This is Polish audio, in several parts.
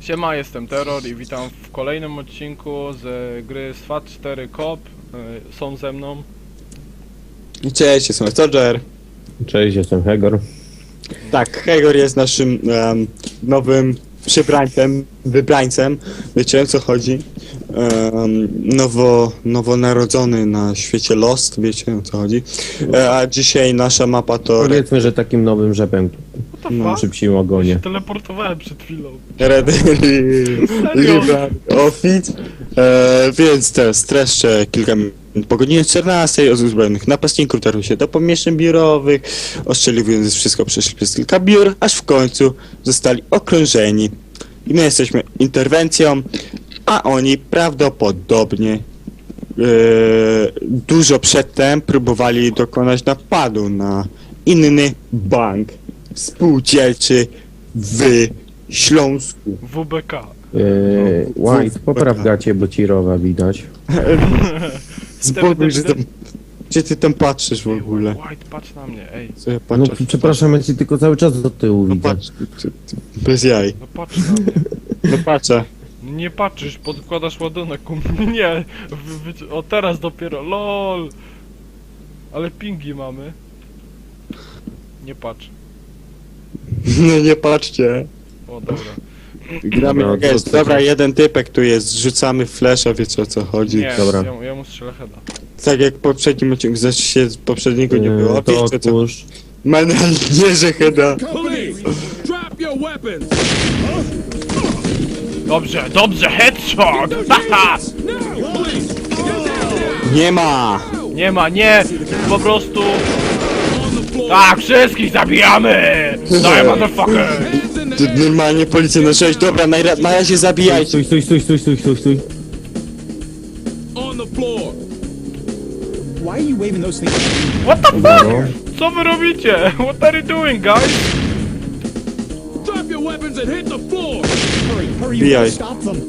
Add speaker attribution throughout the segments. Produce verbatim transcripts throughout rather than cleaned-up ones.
Speaker 1: Siema, jestem Terror i witam w kolejnym odcinku z gry SWAT cztery Cop. Są ze mną.
Speaker 2: Cześć, jestem Soldier.
Speaker 3: Cześć, jestem Hegor.
Speaker 2: Tak, Hegor jest naszym um, nowym przybrańcem, wybrańcem. Wiecie, o co chodzi? Um, nowo, nowonarodzony na świecie Lost, wiecie, o co chodzi? E, a dzisiaj nasza mapa to
Speaker 3: Powiedzmy, że takim nowym rzepem
Speaker 1: What the
Speaker 2: No,
Speaker 1: fuck?
Speaker 3: przy psim
Speaker 1: Ja
Speaker 3: ogonie.
Speaker 1: się teleportowałem przed chwilą.
Speaker 2: Red River Office. E, więc teraz streszczę kilka minut. Po godzinie czternastej od uzbrojonych napastników dotarł się do pomieszczeń biurowych, ostrzeliwując wszystko przeszli przez kilka biur, aż w końcu zostali okrążeni. I my jesteśmy interwencją, a oni prawdopodobnie e, dużo przedtem próbowali dokonać napadu na inny bank spółdzielczy w Śląsku.
Speaker 1: W B K.
Speaker 3: Yy, White, popraw gacie, bo ci rowa widać.
Speaker 2: Spokój, że tam... Gdzie ty tam patrzysz w ogóle?
Speaker 1: White, patrz na mnie, ej.
Speaker 2: Co ja
Speaker 3: No
Speaker 2: patrzę?
Speaker 3: przepraszam, ja ci tylko cały czas do tyłu
Speaker 2: No
Speaker 3: widzę.
Speaker 2: patrz, ty- ty- bez jaj.
Speaker 1: No patrz na mnie.
Speaker 2: No patrzę.
Speaker 1: Nie patrzysz, podkładasz ładunek u mnie. Nie. Wy, wy, o teraz dopiero, lol. Ale pingi mamy. Nie patrz.
Speaker 2: No nie patrzcie.
Speaker 1: O, dobra.
Speaker 2: Gramy
Speaker 3: No,
Speaker 2: jak
Speaker 3: to-
Speaker 2: jest.
Speaker 3: to-
Speaker 2: Dobra, jeden typek tu jest, rzucamy flesza, wiecie o co chodzi.
Speaker 1: Nie,
Speaker 3: Dobra.
Speaker 1: ja, ja mu strzelę heada.
Speaker 2: Tak jak w poprzednim odcinku, zaś się z poprzedniego nie było.
Speaker 3: Yy, to
Speaker 2: Wiecie co?
Speaker 3: otwórz.
Speaker 2: Menel nie, że chyba.
Speaker 4: Police, drop your weapons!
Speaker 1: Dobrze, dobrze, headshot! Haha!
Speaker 4: No! Police, get down
Speaker 2: Nie ma!
Speaker 1: Nie ma, nie! Po prostu...
Speaker 4: on the floor!
Speaker 1: Tak, wszystkich zabijamy! Daj, motherfucker!
Speaker 4: Hands in
Speaker 2: Tu
Speaker 4: the air!
Speaker 2: normalnie policja na sześć. Dobra, na, na razie zabijajcie.
Speaker 3: Stój, stój, stój, stój, stój, stój, stój.
Speaker 4: On the floor!
Speaker 5: Why are you waving those things?
Speaker 1: What the fuck?
Speaker 3: No.
Speaker 1: Co wy robicie? What are you doing, guys?
Speaker 4: Drop your weapons and hit the floor!
Speaker 5: Hurry, hurry,
Speaker 2: B I.
Speaker 5: you gotta stop them.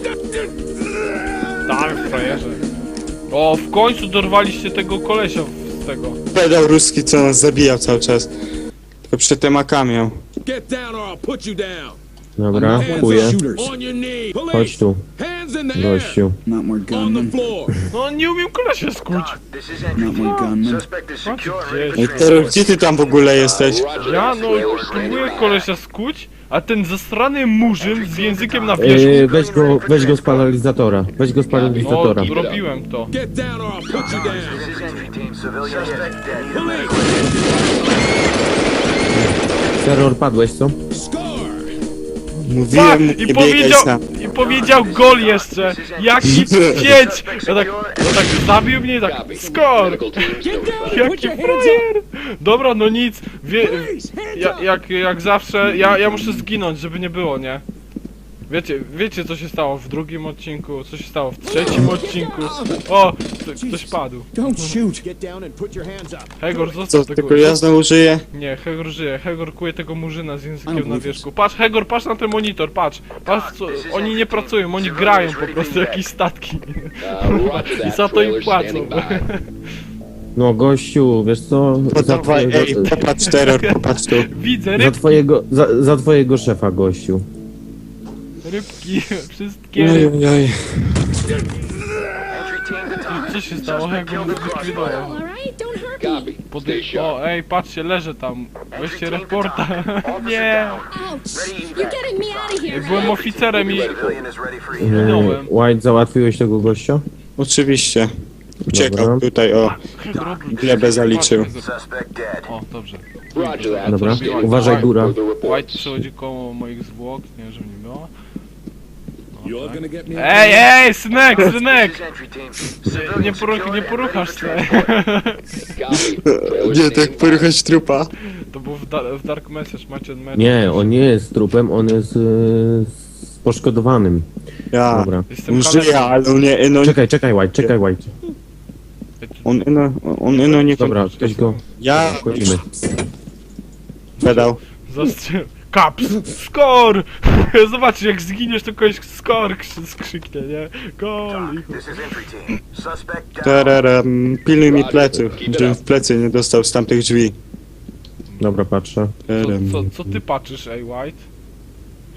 Speaker 1: Tak, frajerze. O, w końcu dorwaliście tego kolesia z tego.
Speaker 2: Pedał ruski, co nas zabijał cały czas. Tylko przed temaka miał.
Speaker 4: Get down or I'll put you down!
Speaker 3: Dobra,
Speaker 4: Hands
Speaker 3: kuję.
Speaker 4: up,
Speaker 5: Shooters.
Speaker 4: on your knee!
Speaker 3: Chodź
Speaker 4: Police,
Speaker 3: tu,
Speaker 4: hands in the air!
Speaker 3: gościu.
Speaker 5: Not more
Speaker 4: On the
Speaker 5: gunmen.
Speaker 4: floor!
Speaker 1: No, nie umiem kolesia skuć.
Speaker 6: This is
Speaker 5: Not
Speaker 6: entry
Speaker 5: more
Speaker 6: team.
Speaker 5: gunmen.
Speaker 6: Suspect is
Speaker 1: Co ty
Speaker 6: secure and ready
Speaker 1: gdzieś?
Speaker 6: for
Speaker 2: Ej, Terror, gdzie ty tam w ogóle jesteś?
Speaker 1: Ja, no, próbuję kolesia skuć, a ten zasrany murzyn z językiem na wierzchu.
Speaker 3: Yy, weź go, weź go z paralizatora. Weź go z
Speaker 1: O,
Speaker 3: paralizatora.
Speaker 1: robiłem to.
Speaker 4: Get down or I'll put you down!
Speaker 6: This is entry team. Civilian suspect dead.
Speaker 4: Police,
Speaker 3: Terror, padłeś, co?
Speaker 4: scar!
Speaker 2: Mówiłem mu,
Speaker 1: Fuck! I
Speaker 2: nie biegaj
Speaker 1: powiedział,
Speaker 2: sam.
Speaker 1: i powiedział gol jeszcze! Jaki pięć! Ja tak, no tak zabił mnie i tak, skor! Jaki frajer! Dobra, no nic, wie, ja, jak, jak zawsze, ja, ja muszę zginąć, żeby nie było, nie? Wiecie, wiecie co się stało w drugim odcinku, co się stało w trzecim odcinku? O, kto- ktoś padł.
Speaker 5: Don't shoot.
Speaker 1: Hegor,
Speaker 2: Co,
Speaker 1: zostaw tego.
Speaker 2: tylko ja znowu żyję?
Speaker 1: Nie, Hegor żyje, Hegor kuje tego murzyna z językiem na wierzchu. Patrz, Hegor, patrz na ten monitor, patrz! Patrz, co, oni nie pracują, oni grają po prostu jakieś statki. I za to im płacą.
Speaker 3: No gościu, wiesz co? Za
Speaker 2: Podawaj, ej,
Speaker 3: twojego,
Speaker 2: popatrz Terror, popatrz tu.
Speaker 1: Widzę
Speaker 3: za
Speaker 1: ryb,
Speaker 3: twojego, za, za twojego szefa, gościu.
Speaker 1: rybki, wszystkie rybki.
Speaker 2: Ojej.
Speaker 6: Entry team to talk.
Speaker 1: Co się stało? Hegor zlikwidował.
Speaker 7: All right, don't hurt me.
Speaker 1: Pody- o, ej, patrzcie, leżę tam. Weźcie reporta. Nie.
Speaker 7: Ouch! You're getting me out of here.
Speaker 1: Byłem oficerem i
Speaker 6: Civilian is ready for
Speaker 3: Yy,
Speaker 6: evac.
Speaker 1: minąłem.
Speaker 3: White, załatwiłeś tego gościa?
Speaker 2: Oczywiście. Uciekał
Speaker 3: Dobra.
Speaker 2: tutaj, o.
Speaker 1: Hegor,
Speaker 2: Glebę zaliczył.
Speaker 6: Suspect dead.
Speaker 1: O, dobrze.
Speaker 3: Dobra, uważaj góra.
Speaker 1: White przechodzi koło moich zwłok, nie, żeby nie było. No,
Speaker 4: You're
Speaker 1: tak.
Speaker 4: gonna get me
Speaker 1: Ej, ej, synek,
Speaker 6: This
Speaker 1: synek!
Speaker 6: is entry team.
Speaker 1: Nie,
Speaker 6: Civilian
Speaker 1: poruch,
Speaker 6: secure
Speaker 1: nie
Speaker 6: and
Speaker 1: poruchasz
Speaker 6: ready
Speaker 1: się.
Speaker 2: Nie, tak poruchać trupa.
Speaker 1: To był w, da w Dark Message, macie mecz.
Speaker 3: Nie, on nie jest trupem, on jest yy, z poszkodowanym.
Speaker 2: Ja.
Speaker 3: Dobra.
Speaker 1: Jestem
Speaker 2: On żyje,
Speaker 1: kaleką.
Speaker 2: ale on nie, no,
Speaker 3: Czekaj, czekaj, White, czekaj, White.
Speaker 2: on, no, on, no nie...
Speaker 3: Dobra, weź go.
Speaker 2: Ja
Speaker 3: Wchodzimy.
Speaker 2: pedał.
Speaker 1: Zastrzel... Kaps! Skor! Zobaczcie, jak zginiesz, to kogoś skor krzy- skrzyknie, nie? Gol! i chuj.
Speaker 6: This is entry team. Suspect down.
Speaker 2: Tararam, pilnuj mi pleców, żebym w plecy nie dostał z tamtych drzwi.
Speaker 3: Dobra, patrzę.
Speaker 1: Co,
Speaker 2: Tararam.
Speaker 1: co, co ty patrzysz, ej, White?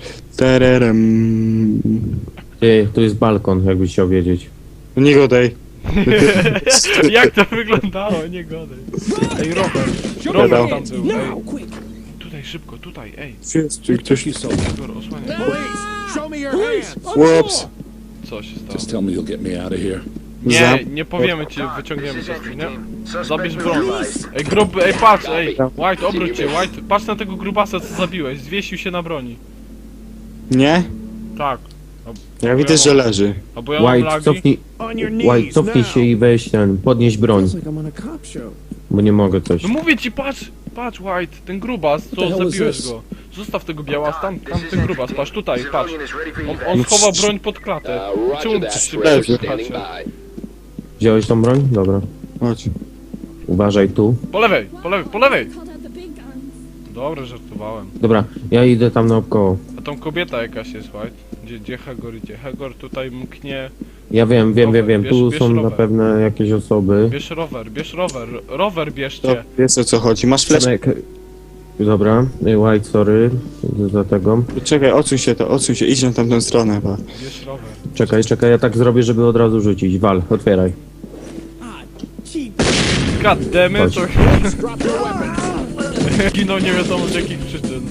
Speaker 2: Tererem.
Speaker 3: Ty, tu jest balkon, jakbyś chciał wiedzieć.
Speaker 2: Nie godaj.
Speaker 1: Jak to wyglądało? Nie godaj. Ej, Robert. Robert tam był, ej.
Speaker 5: Now, quick.
Speaker 1: Tutaj, szybko, tutaj, ej.
Speaker 2: Jest tu ktoś.
Speaker 4: You so.
Speaker 1: Igor, osłaniaj.
Speaker 4: Police, show me your hands.
Speaker 2: Łops.
Speaker 1: Co się stało?
Speaker 4: Just tell me you'll get me out of here.
Speaker 1: Nie,
Speaker 2: Zam-
Speaker 1: nie powiemy ci,
Speaker 6: Talk.
Speaker 1: wyciągniemy
Speaker 6: This
Speaker 1: cię
Speaker 6: is
Speaker 1: z niej,
Speaker 6: entry
Speaker 1: nie?
Speaker 6: team.
Speaker 1: Zabierz
Speaker 6: Suspect
Speaker 1: broń.
Speaker 6: neutralized.
Speaker 1: Ej, gruby, ej, patrz, ej. White, obróć się, White. Patrz na tego grubasa, co zabiłeś. Zwiesił się na broni.
Speaker 2: Nie?
Speaker 1: Tak.
Speaker 2: Ja widzę, że leży.
Speaker 1: Albo ja mam
Speaker 3: White,
Speaker 1: lagi.
Speaker 3: cofnij,
Speaker 5: On your knees
Speaker 3: White, cofnij
Speaker 5: now.
Speaker 3: się i weź ten, podnieś broń,
Speaker 5: Feels like I'm on a cop show.
Speaker 3: bo nie mogę coś.
Speaker 1: No mówię ci, patrz, patrz White, ten grubas,
Speaker 5: the
Speaker 1: co
Speaker 5: hell is
Speaker 1: zabiłeś
Speaker 5: this?
Speaker 1: go. Zostaw tego białas, tam, tam
Speaker 6: This is
Speaker 1: ten
Speaker 6: entry
Speaker 1: grubas,
Speaker 6: team.
Speaker 1: patrz tutaj, patrz.
Speaker 6: Civilian is ready for
Speaker 1: On,
Speaker 6: evac.
Speaker 1: on schował broń pod klatę. Czemu coś się
Speaker 2: Leży.
Speaker 1: patrzy?
Speaker 3: Wziąłeś tą broń? Dobra.
Speaker 2: Chodź.
Speaker 3: Uważaj tu.
Speaker 1: Po lewej, po lewej, po lewej!
Speaker 7: Called out the big guns.
Speaker 1: Dobra, żartowałem.
Speaker 3: Dobra, ja idę tam naokoło.
Speaker 1: A tam kobieta jakaś jest, White. Gdzie, gdzie Hagor idzie? Hagor tutaj mknie.
Speaker 3: Ja wiem, wiem, wiem, wiem.
Speaker 1: Bierz-
Speaker 3: Tu
Speaker 1: bierz
Speaker 3: są na
Speaker 1: rower.
Speaker 3: pewno jakieś osoby.
Speaker 1: Bierz rower, bierz rower, rower
Speaker 2: To
Speaker 1: bierzcie.
Speaker 2: wiesz o co chodzi. Masz flash.
Speaker 3: Przemek. Dobra, White, sorry za tego.
Speaker 2: Czekaj, odsuń się to, odsuń się. Idź na tamtą stronę chyba.
Speaker 1: Bierz rower.
Speaker 3: Czekaj, czekaj, ja tak zrobię, żeby od razu rzucić. Wal, otwieraj.
Speaker 5: Ah, cheap.
Speaker 1: God damn it,
Speaker 3: Chodź.
Speaker 1: to
Speaker 4: Drop your weapons.
Speaker 1: ginął nie wiadomo z jakich przyczyn.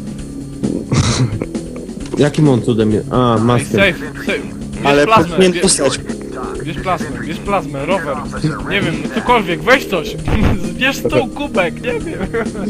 Speaker 3: Jakim on cudem je... A,
Speaker 1: Ej,
Speaker 3: maskę.
Speaker 1: safe, safe. Bierz
Speaker 2: Ale
Speaker 1: plazmę,
Speaker 2: powinien
Speaker 1: bierz,
Speaker 2: dostać.
Speaker 1: bierz plazmę, bierz plazmę, rower. Nie wiem, no cokolwiek, weź coś. Bierz stół, kubek, nie wiem.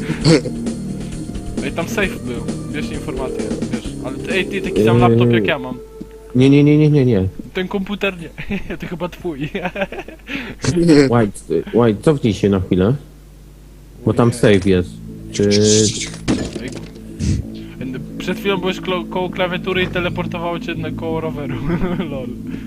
Speaker 1: Ej, tam safe był, bierz informację, wiesz. Ale ty, ej, ty taki sam
Speaker 3: Eee.
Speaker 1: laptop jak ja mam.
Speaker 3: Nie, nie, nie, nie, nie, nie.
Speaker 1: Ten komputer nie, to chyba twój.
Speaker 3: White, y, White, cofnij się na chwilę. Bo tam safe jest. Czy...
Speaker 1: Ej, przed chwilą byłeś klo- koło klawiatury i teleportowało cię na koło roweru. Lol.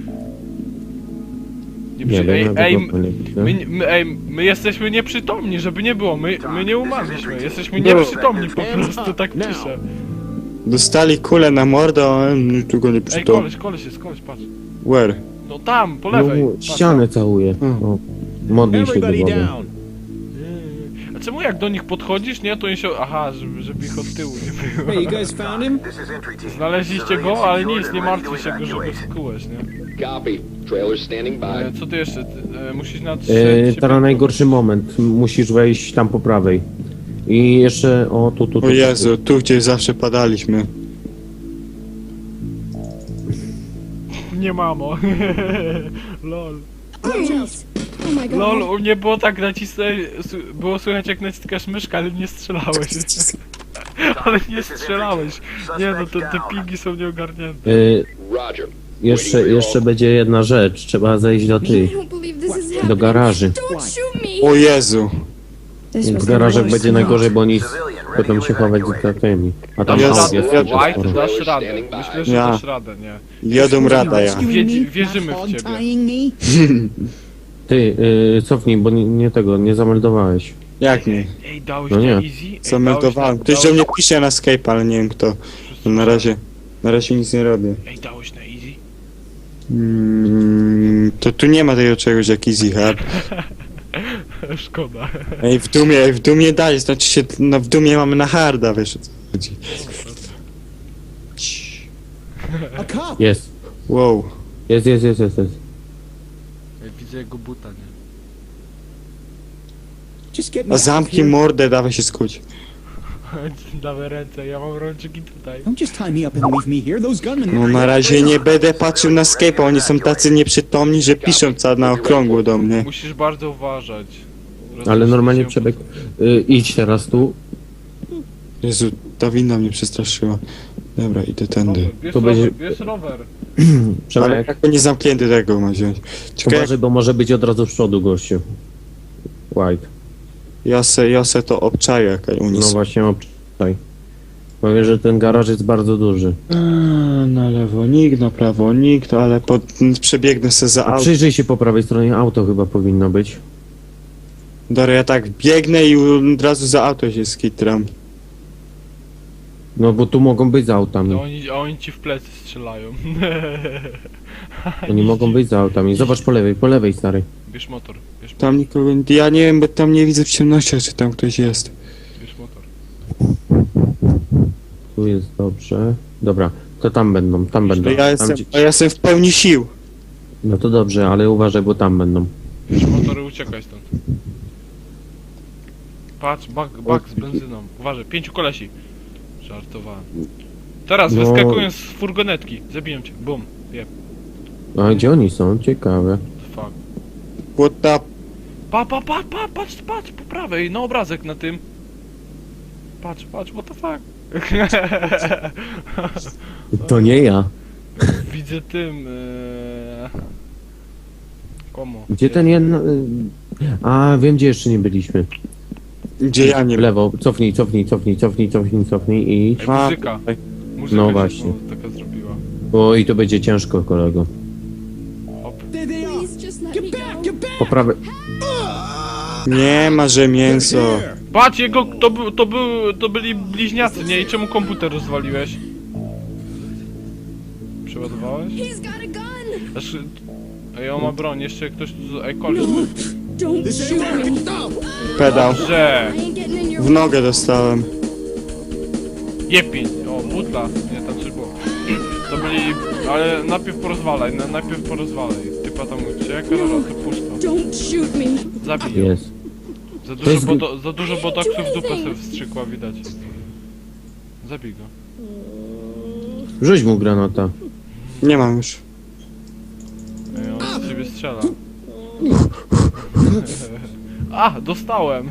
Speaker 1: Nie,
Speaker 3: Nie
Speaker 1: przy... Ej,
Speaker 3: wiem,
Speaker 1: ej,
Speaker 3: ja tego nie widzę.
Speaker 1: my, my, ej, my jesteśmy nieprzytomni, żeby nie było, my, my nie umarliśmy, jesteśmy
Speaker 2: Było.
Speaker 1: nieprzytomni po prostu, tak piszę.
Speaker 2: Dostali kulę na mordę, a on tu go nie
Speaker 1: Ej,
Speaker 2: przytomni.
Speaker 1: koleś, koleś jest, koleś, patrz.
Speaker 2: Where?
Speaker 1: No tam, po
Speaker 3: No,
Speaker 1: lewej. Patrz,
Speaker 3: ścianę całuje.
Speaker 2: Hmm.
Speaker 3: O, modlij się do
Speaker 5: Everybody
Speaker 3: Boga.
Speaker 5: down.
Speaker 1: tam. A czemu jak do nich podchodzisz, nie, to oni się... Aha, żeby, żeby ich od tyłu nie
Speaker 5: Hey,
Speaker 1: było.
Speaker 5: you guys found him?
Speaker 6: This is entry team.
Speaker 1: Znaleźliście go, ale nic, nie martwcie się go, żeby skułeś, nie?
Speaker 8: Copy. Trailer standing by.
Speaker 1: E, co ty jeszcze? Ty, e, musisz na trzy...
Speaker 3: E,
Speaker 1: trzy-
Speaker 3: teraz najgorszy moment. Musisz wejść tam po prawej. I jeszcze... O, tu, tu, tu.
Speaker 2: O Jezu, tu gdzie zawsze padaliśmy.
Speaker 1: Nie mamo. Lol.
Speaker 7: Please. Oh my god.
Speaker 1: Lol, u mnie było tak nacisnąć, było słychać jak naciskasz myszkę, ale nie strzelałeś. Ale nie strzelałeś. Nie no, te, te pingi są nieogarnięte.
Speaker 3: E,
Speaker 8: Roger.
Speaker 3: jeszcze, jeszcze będzie jedna rzecz. Trzeba zejść do
Speaker 7: I
Speaker 3: tych.
Speaker 7: don't believe this is
Speaker 3: Do
Speaker 7: happening.
Speaker 3: garaży.
Speaker 7: Don't shoot me.
Speaker 2: O Jezu.
Speaker 7: This
Speaker 3: W
Speaker 7: was
Speaker 3: garażach
Speaker 7: the
Speaker 3: będzie
Speaker 7: worst
Speaker 3: najgorzej, bo oni
Speaker 6: Civilian, ready
Speaker 3: będą
Speaker 6: to
Speaker 3: się chować
Speaker 6: evacuate.
Speaker 3: za tymi. A tam
Speaker 2: Ja-
Speaker 3: jest jest
Speaker 2: ja-
Speaker 3: też
Speaker 1: White,
Speaker 3: sporo.
Speaker 1: dasz radę. Myślę, że
Speaker 2: Ja.
Speaker 1: dasz radę, nie?
Speaker 2: Jadą rada ja.
Speaker 1: Wiedzi- wierzymy w ciebie.
Speaker 5: Tying me?
Speaker 3: Ty, y, cofnij, bo nie, nie tego, nie zameldowałeś.
Speaker 2: Jak nie?
Speaker 1: Ej, dałeś
Speaker 3: No
Speaker 1: to
Speaker 3: nie.
Speaker 1: easy? Ej,
Speaker 2: Zameldowałem.
Speaker 1: dałeś
Speaker 2: Ktoś
Speaker 1: na-
Speaker 2: do mnie pisze na Skype, ale nie wiem kto. No na razie, na razie nic nie robię.
Speaker 1: Ej, dałeś na easy?
Speaker 2: Mm, to tu nie ma tego czegoś jak easy hard.
Speaker 1: Szkoda.
Speaker 2: Ej, w dumie, ej, w dumie daj, znaczy się, no w dumie mamy na harda, wiesz o co chodzi.
Speaker 5: A cop.
Speaker 3: Jest.
Speaker 2: Wow.
Speaker 3: Jest, jest, jest, jest, jest.
Speaker 1: Ej, widzę jego buta, nie?
Speaker 5: Just get me
Speaker 2: A
Speaker 5: out of
Speaker 2: zamknij
Speaker 5: here.
Speaker 2: mordę, dawaj się skuć.
Speaker 1: Dawaj ręce, ja mam rączki tutaj.
Speaker 5: Don't just tie me up and leave me here. Those gunmen.
Speaker 2: No na razie nie będę patrzył na Skype'a, oni są tacy nieprzytomni, że piszą ca na okrągło do mnie.
Speaker 1: Musisz bardzo uważać.
Speaker 3: Ale
Speaker 1: Rozumiem,
Speaker 3: normalnie
Speaker 1: się
Speaker 3: przebieg. Y, idź teraz tu.
Speaker 2: Jezu, ta winda mnie przestraszyła. Dobra, idę tędy.
Speaker 1: Rower, Bierz
Speaker 3: To
Speaker 1: rower,
Speaker 3: będzie-
Speaker 1: bierz rower.
Speaker 2: Ale
Speaker 3: Przemek,
Speaker 2: jak to nie zamknięty tego ma wziąć. Czekaj,
Speaker 3: uważaj, bo może być od razu z przodu gościu. White.
Speaker 2: ja se, ja se to obczaję jakaś
Speaker 3: No
Speaker 2: unis.
Speaker 3: właśnie, obczaj. Powiem, że ten garaż jest bardzo duży.
Speaker 2: Eee, na lewo nikt, na prawo nikt, ale pod, przebiegnę se za
Speaker 3: A
Speaker 2: auto.
Speaker 3: przyjrzyj się po prawej stronie, auto chyba powinno być.
Speaker 2: Dobra, ja tak biegnę i od razu za auto się skitram.
Speaker 3: No bo tu mogą być za autami.
Speaker 1: No oni, a oni ci w plecy strzelają.
Speaker 3: Oni mogą być za autami. Zobacz po lewej, po lewej, stary.
Speaker 1: Bierz motor, bierz motor,
Speaker 2: Tam nikogo, ja nie wiem, bo tam nie widzę w ciemnościach, czy tam ktoś jest.
Speaker 1: bierz motor.
Speaker 3: Tu jest dobrze. Dobra, To tam będą, tam będą.
Speaker 2: To ja
Speaker 3: Tam
Speaker 2: jestem,
Speaker 3: gdzie-
Speaker 2: a ja jestem w pełni sił.
Speaker 3: No to dobrze, ale uważaj, bo tam będą.
Speaker 1: Już motory, uciekaj stąd. Patrz, bak, bak z benzyną. Uważaj, pięciu kolesi. Żartowałem. Teraz
Speaker 3: No.
Speaker 1: wyskakują z furgonetki. Zabiję cię. Bum. Jeb.
Speaker 3: A gdzie oni są? Ciekawe.
Speaker 1: Fuck.
Speaker 2: What the...
Speaker 1: Pa, pa, pa, pa, patrz, patrz, po prawej, na obrazek na tym. Patrz, patrz, what the fuck.
Speaker 3: To nie ja.
Speaker 1: Widzę tym, ee... Komu?
Speaker 3: Gdzie ten jeden... y, A, wiem gdzie jeszcze nie byliśmy.
Speaker 2: Gdzie ja nie...
Speaker 3: W lewo, cofnij, cofnij, cofnij, cofnij, cofnij, cofnij i...
Speaker 1: Ej,
Speaker 2: A,
Speaker 1: muzyka.
Speaker 2: tutaj.
Speaker 1: Muzyka
Speaker 3: No
Speaker 1: się
Speaker 3: właśnie.
Speaker 1: znowu taka zrobiła.
Speaker 3: Oj, to będzie ciężko, kolego.
Speaker 1: Hop.
Speaker 5: There they are.
Speaker 7: Please just let
Speaker 5: Get
Speaker 7: me
Speaker 5: back,
Speaker 7: go.
Speaker 5: get back.
Speaker 3: Po prawej...
Speaker 2: Nie ma, że mięso.
Speaker 5: Here.
Speaker 1: Patrz, jego, to, był, to, był, to byli bliźniacy, nie? I czemu komputer rozwaliłeś? Przeładowałeś?
Speaker 7: He's got a gun.
Speaker 1: Znaczy... Ej, on ma broń, jeszcze ktoś tu... Ej, koleś.
Speaker 7: Don't
Speaker 5: This
Speaker 7: shoot
Speaker 5: ain't
Speaker 7: me.
Speaker 5: working. Stop.
Speaker 2: Pedał.
Speaker 1: Że...
Speaker 7: I ain't getting in your
Speaker 2: W nogę dostałem.
Speaker 1: Jepień. O, butla. Nie, tam coś było. To byli... Ale najpierw porozwalaj, na, najpierw porozwalaj. Typa tam ucieka, dobra, to puść to.
Speaker 7: Don't shoot me.
Speaker 1: Zabij ją.
Speaker 3: Jest.
Speaker 1: Za
Speaker 3: To
Speaker 1: dużo,
Speaker 3: jest-
Speaker 1: bodo, za dużo botoksów w dupę sobie wstrzykła, widać. Zabij go.
Speaker 3: Rzuć mu granata.
Speaker 2: Nie mam już.
Speaker 1: Ej, on z ciebie strzela. A, dostałem!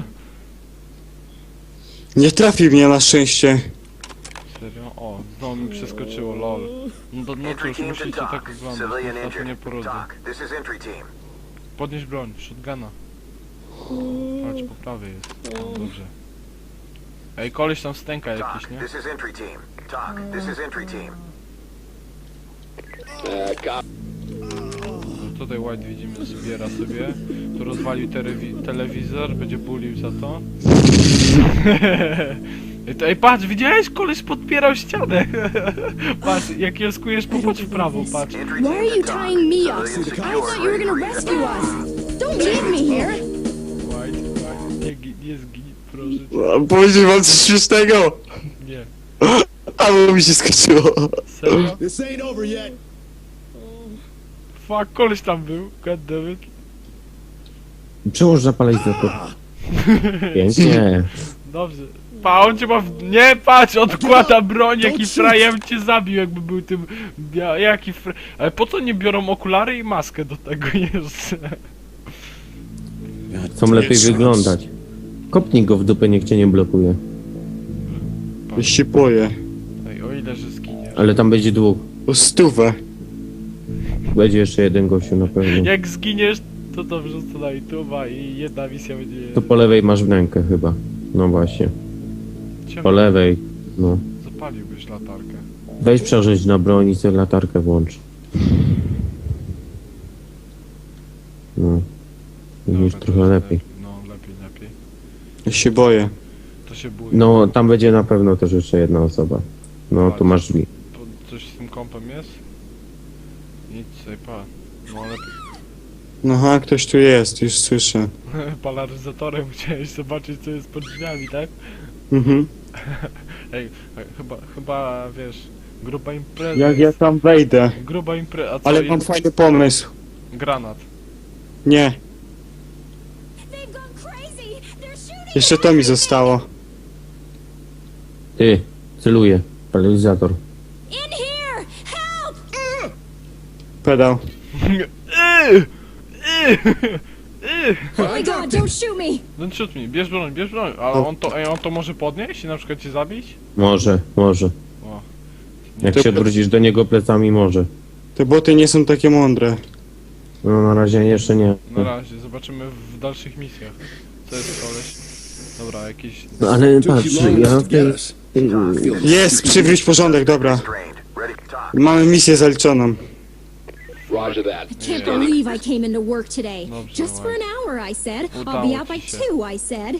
Speaker 2: Nie trafił mnie na szczęście.
Speaker 1: Serio? O, znowu mi przeskoczyło, lol. No, to, no
Speaker 6: Entry
Speaker 1: cóż,
Speaker 6: team to
Speaker 1: musicie
Speaker 6: talk.
Speaker 1: tak oglądać,
Speaker 6: Civilian
Speaker 1: na to nie
Speaker 6: injured.
Speaker 1: porodzę.
Speaker 6: Talk. This is entry team.
Speaker 1: Podnieś broń, shotguna. Patrz, po prawej jest. O, dobrze. Ej, koleś tam stęka jakiś,
Speaker 6: Talk.
Speaker 1: nie?
Speaker 6: This is entry team. Talk. This is entry team.
Speaker 8: Uh, cop.
Speaker 1: No, tutaj White widzimy, zbiera sobie. Tu rozwalił telewi telewizor, będzie bulił za to. Ej, to- Ej, patrz, widziałeś? Koleś podpierał ścianę. Patrz, jak jelskujesz, popatrz w prawo, patrz.
Speaker 6: Entry
Speaker 7: Why are
Speaker 6: team
Speaker 7: you
Speaker 6: to talk.
Speaker 7: tying me up?
Speaker 6: Civilian
Speaker 7: I
Speaker 6: secure.
Speaker 7: thought you were
Speaker 6: Ready
Speaker 7: gonna
Speaker 6: for
Speaker 7: rescue
Speaker 6: evac.
Speaker 7: us. Don't leave me here.
Speaker 1: White, White, nie, gi- nie zgin, proszę cię.
Speaker 2: Powiedział wam coś śmiesznego.
Speaker 1: Nie.
Speaker 2: Albo mi się skończyło.
Speaker 1: Serio?
Speaker 5: This ain't over yet.
Speaker 1: Fuck, koleś tam był, goddammit.
Speaker 3: Przełóż zapalenizator. Pięknie.
Speaker 1: Dobrze. Pa, on cię ma w... Nie, patrz, odkłada broń, jaki frajem cię zabił, jakby był tym... Ja, jaki fra... Ale po co nie biorą okulary i maskę do tego jeszcze?
Speaker 3: Chcą lepiej wyglądać. Kopnij go w dupę, niech cię nie blokuje.
Speaker 2: Ja się boję.
Speaker 1: Ej, o ile, że zginiesz.
Speaker 3: Ale tam będzie dwóch.
Speaker 2: O stówę.
Speaker 3: Będzie jeszcze jeden gościu na pewno.
Speaker 1: Jak zginiesz, to dobrze, co na YouTube'a i jedna misja będzie...
Speaker 3: To po lewej masz wnękę chyba. No właśnie.
Speaker 1: Ciemno.
Speaker 3: Po lewej. No.
Speaker 1: Zapaliłbyś latarkę.
Speaker 3: Weź przeżyć na broń i sobie latarkę włącz. No. Już
Speaker 1: Dobra,
Speaker 3: trochę
Speaker 1: to
Speaker 3: lepiej.
Speaker 1: No, lepiej, lepiej.
Speaker 2: Ja się boję.
Speaker 1: To się bój.
Speaker 3: No, tam będzie na pewno też jeszcze jedna osoba. No, tu masz drzwi.
Speaker 1: Po- Coś z tym kompem jest? Nic, sobie pa. No, lepiej.
Speaker 2: No ha, ktoś tu jest, już słyszę.
Speaker 1: Polaryzatorem chciałeś zobaczyć, co jest pod drzwiami, tak?
Speaker 2: Mhm.
Speaker 1: Ej, ej, chyba, chyba, wiesz, gruba impreza.
Speaker 2: Jak ja
Speaker 1: jest.
Speaker 2: tam wejdę.
Speaker 1: Gruba impreza, a co
Speaker 2: Ale
Speaker 1: i-
Speaker 2: mam fajny pomysł.
Speaker 1: Granat.
Speaker 2: Nie,
Speaker 7: They've gone crazy. They're shooting.
Speaker 2: jeszcze to mi zostało.
Speaker 3: Ty, celuję. Paralizator.
Speaker 7: In here. Help.
Speaker 2: Pedał.
Speaker 1: Yy! Yy! Yy!
Speaker 7: Oh my God! Don't shoot me.
Speaker 1: No shoot me, bierz broń, bierz broń. Ale on to, ej, on to może podnieść i na przykład cię zabić?
Speaker 3: Może, może.
Speaker 1: O.
Speaker 3: Jak
Speaker 2: To-
Speaker 3: się odwrócisz do niego plecami, może.
Speaker 2: Te boty nie są takie mądre.
Speaker 3: No, na razie jeszcze nie.
Speaker 1: Na razie, zobaczymy w dalszych misjach. Co jest koleś? Dobra, jakiś...
Speaker 3: No, ale
Speaker 4: Took
Speaker 3: patrz,
Speaker 4: you long
Speaker 3: ja
Speaker 4: enough
Speaker 3: w
Speaker 4: to
Speaker 3: tej...
Speaker 4: get us.
Speaker 6: Talk. Feeling
Speaker 2: Jest, przywróć porządek, dobra.
Speaker 6: strained. Ready to talk.
Speaker 2: Mamy misję zaliczoną.
Speaker 8: Roger that.
Speaker 7: I can't believe I came into work today.
Speaker 1: Dobrze,
Speaker 7: Just for an hour, I said. I'll
Speaker 1: Udało
Speaker 7: be out by
Speaker 1: ci się.
Speaker 7: two, I said.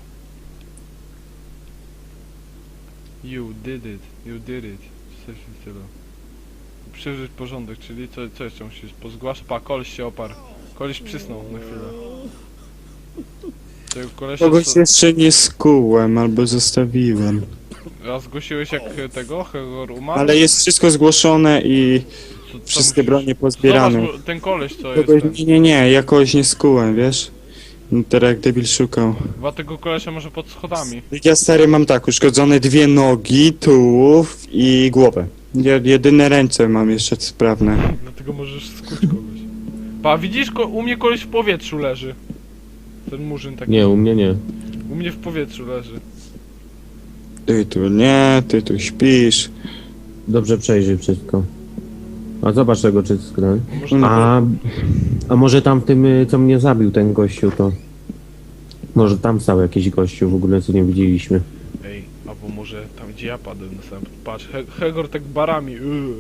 Speaker 1: You did it, you did it. Coś w stylu. Przywróć porządek, czyli co, co jeszcze musisz? Pozgłaszać? Pa, koleś się oparł. Koleś przysnął na chwilę. Tego kolesia...
Speaker 2: Kogoś
Speaker 1: co-
Speaker 2: jeszcze nie skułem albo zostawiłem.
Speaker 1: A zgłosiłeś jak tego, Hegor umarł?
Speaker 2: Ale jest wszystko zgłoszone i
Speaker 1: Co- co
Speaker 2: wszystkie
Speaker 1: musisz-
Speaker 2: bronie pozbierane.
Speaker 1: Zobacz, bo ten koleś co jest
Speaker 2: Kogoś,
Speaker 1: ten.
Speaker 2: nie, nie, nie, jakoś nie skułem, wiesz? No teraz jak debil szukał.
Speaker 1: Chyba tego kolesia może pod schodami.
Speaker 2: Ja stary mam tak, uszkodzone dwie nogi, tułów i głowę. Je, jedyne ręce mam jeszcze sprawne.
Speaker 1: Dlatego możesz skuć kogoś. Pa, widzisz, ko u mnie koleś w powietrzu leży. Ten murzyn taki.
Speaker 3: Nie, u mnie nie.
Speaker 1: U mnie w powietrzu leży.
Speaker 2: Ty tu nie, ty tu śpisz.
Speaker 3: Dobrze przejrzyj wszystko. A zobacz tego czyskra.
Speaker 1: Może
Speaker 3: A, a może tam w tym, y, co mnie zabił ten gościu, to... Może tam stał jakiś gościu w ogóle, co nie widzieliśmy.
Speaker 1: Ej, albo może tam gdzie ja padłem na samym. Patrz, He Hegor tak barami. Yy.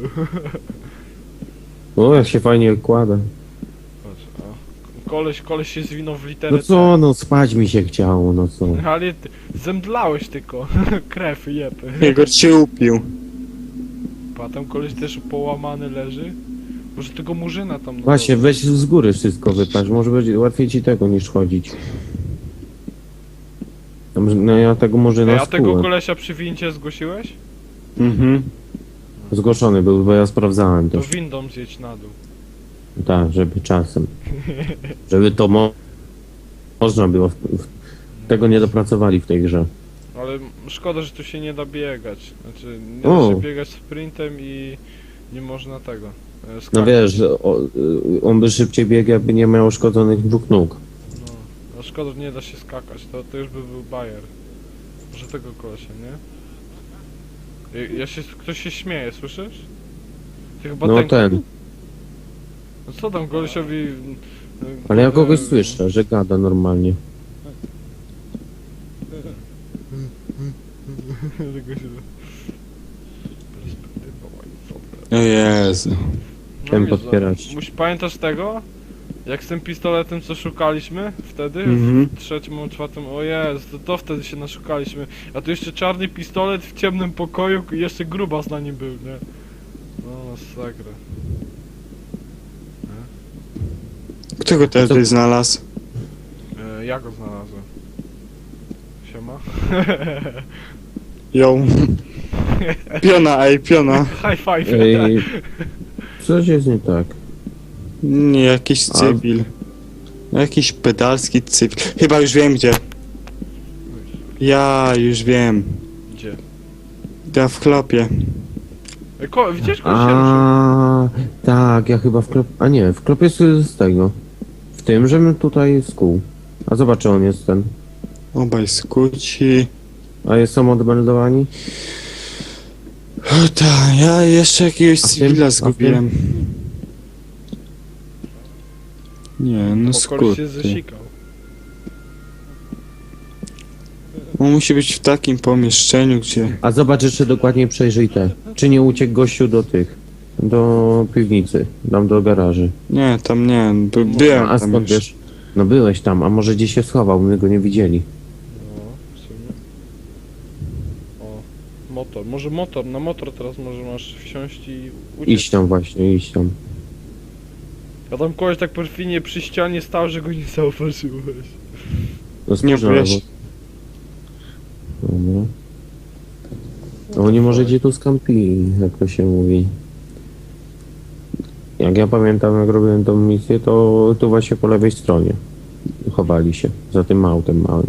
Speaker 3: O, jak się fajnie kłada.
Speaker 1: Patrz, a. Koleś, koleś się zwinął w literę
Speaker 3: No co, no spać mi się chciało, no co.
Speaker 1: C. Ale ty, zemdlałeś tylko. Krew, jeb.
Speaker 2: Jego cię upił.
Speaker 1: Pa, tam koleś też połamany leży. Może tego murzyna tam... no
Speaker 3: Właśnie, weź z góry wszystko wypaść, może będzie łatwiej ci tego niż chodzić. Tam, no ja tego może
Speaker 1: Ej,
Speaker 3: na
Speaker 1: a tego
Speaker 3: skórę.
Speaker 1: kolesia przy wincie zgłosiłeś?
Speaker 2: Mhm.
Speaker 3: Zgłoszony był, bo ja sprawdzałem
Speaker 1: To
Speaker 3: też.
Speaker 1: windą zjedź na dół.
Speaker 3: Tak, żeby czasem. Żeby to mo można było. W, w, tego nie dopracowali w tej grze.
Speaker 1: Ale szkoda, że tu się nie da biegać. Znaczy, nie da
Speaker 3: O.
Speaker 1: się biegać sprintem i nie można tego. e,
Speaker 3: No
Speaker 1: skakać.
Speaker 3: wiesz, o, on by szybciej biegł, jakby nie miał uszkodzonych dwóch nóg.
Speaker 1: No, no szkoda, że nie da się skakać. To, to już by był bajer. Może tego kolesia, nie? Ja, ja się, ktoś się śmieje, słyszysz? Ty chyba
Speaker 3: No
Speaker 1: ten...
Speaker 3: ten.
Speaker 1: No co tam kolesiowi... e,
Speaker 3: Ale ja kogoś
Speaker 1: e,
Speaker 3: słyszę, że gada normalnie.
Speaker 1: Tego się... Perspektywa łańcucha.
Speaker 2: O Jezu.
Speaker 3: Ten
Speaker 1: widzę.
Speaker 3: podpierać.
Speaker 1: Musi, pamiętasz tego? Jak z tym pistoletem co szukaliśmy wtedy?
Speaker 2: Mhm.
Speaker 1: W trzecim albo czwartym, o Jezu, to, to wtedy się naszukaliśmy. A tu jeszcze czarny pistolet w ciemnym pokoju i jeszcze grubas na nim był, nie? No masakra.
Speaker 2: Kto go teraz
Speaker 3: Co-
Speaker 2: tutaj znalazł?
Speaker 1: E, ja go znalazłem. Siema.
Speaker 2: Ją. Piona, ej, piona.
Speaker 1: High five.
Speaker 3: Ej, coś jest nie tak.
Speaker 2: Nie, jakiś
Speaker 3: A-
Speaker 2: cywil. Jakiś pedalski cywil. Chyba już wiem gdzie. Ja już wiem.
Speaker 1: Gdzie?
Speaker 2: Ja w chlopie.
Speaker 1: E, ko widzisz, koleś się ruszył.
Speaker 3: A tak, ja chyba w klop... A nie, w klopie jest z tego. W tym, że my tutaj z kół. A zobacz, czy on jest ten.
Speaker 2: Obaj skuci.
Speaker 3: A jest są odmeldowani?
Speaker 2: O tak, ja jeszcze jakiegoś
Speaker 3: A w tym-
Speaker 2: cywila
Speaker 3: a w
Speaker 2: zgubiłem. Nie, no
Speaker 1: Bo koleś się
Speaker 2: skurty.
Speaker 1: zesikał.
Speaker 2: On musi być w takim pomieszczeniu, gdzie...
Speaker 3: A zobacz jeszcze dokładniej przejrzyj te. Czy nie uciekł gościu do tych? Do piwnicy, tam do garaży.
Speaker 2: Nie, tam nie, by, byłem
Speaker 3: A
Speaker 2: tam
Speaker 3: skąd
Speaker 2: już.
Speaker 3: wiesz? No byłeś tam, a może gdzieś się schował, my go nie widzieli.
Speaker 1: No, w sumie. O, motor. Może motor, na motor teraz może masz wsiąść i uciec.
Speaker 3: Iść tam właśnie, iść tam.
Speaker 1: A tam koleś tak perfidnie przy ścianie stał, że go nie zauważyłeś.
Speaker 3: No
Speaker 2: Nie
Speaker 3: spójrz na
Speaker 2: byłeś.
Speaker 3: lewo. Dobra. No oni może gdzie tu skampili, jak to się mówi. Jak ja pamiętam, jak robiłem tą misję, to tu właśnie po lewej stronie chowali się, za tym autem małym.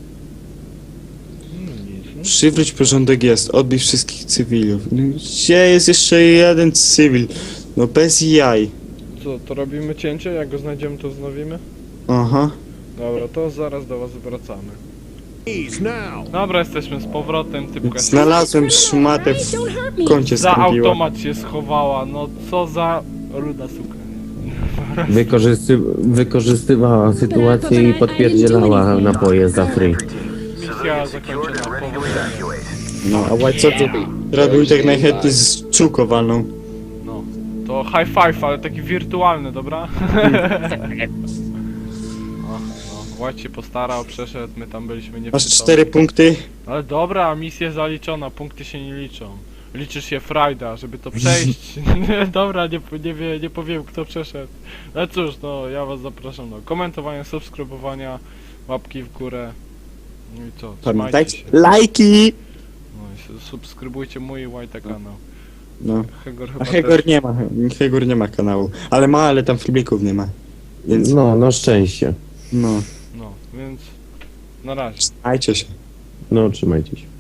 Speaker 1: No nic, no.
Speaker 2: Przywróć porządek jest, odbij wszystkich cywilów. No, gdzie jest jeszcze jeden cywil? No bez jaj.
Speaker 1: Co, to robimy cięcie? Jak go znajdziemy, to wznowimy?
Speaker 2: Aha.
Speaker 1: Dobra, to zaraz do was wracamy.
Speaker 4: Please, now.
Speaker 1: Dobra, jesteśmy z powrotem, typka się
Speaker 2: Znalazłem szmatę w
Speaker 7: Don't hurt me.
Speaker 2: kącie
Speaker 1: za
Speaker 2: skampiła.
Speaker 1: automat się schowała, no co za ruda suka.
Speaker 3: Wykorzysty wykorzystywała sytuację i podpierdzielała napoje za free.
Speaker 1: Misja zakończona, powodzenia.
Speaker 2: No, a łaj, co ty robił tak najchętniej z czuką walną?
Speaker 1: No, to high five, ale taki wirtualny, dobra? O, no, White się postarał, przeszedł, my tam byliśmy nie
Speaker 2: Masz cztery punkty.
Speaker 1: Ale dobra, misja zaliczona, punkty się nie liczą. Liczy się frajda, żeby to przejść. Dobra, nie, nie, wie, nie powiem kto przeszedł. Ale cóż, no ja was zapraszam do komentowania, subskrybowania, łapki w górę. No i co, trzymajcie
Speaker 2: Pamiętajcie,
Speaker 1: się.
Speaker 2: lajki!
Speaker 1: No i s- subskrybujcie mój i White'a kanał.
Speaker 2: No.
Speaker 1: Hegor
Speaker 2: A
Speaker 1: chyba
Speaker 2: Hegor
Speaker 1: też.
Speaker 2: nie ma, Hegor nie ma kanału. Ale ma, ale tam filmików nie ma. Więc
Speaker 3: No, na szczęście.
Speaker 2: no,
Speaker 1: No, więc na razie.
Speaker 2: trzymajcie się.
Speaker 3: No, trzymajcie się.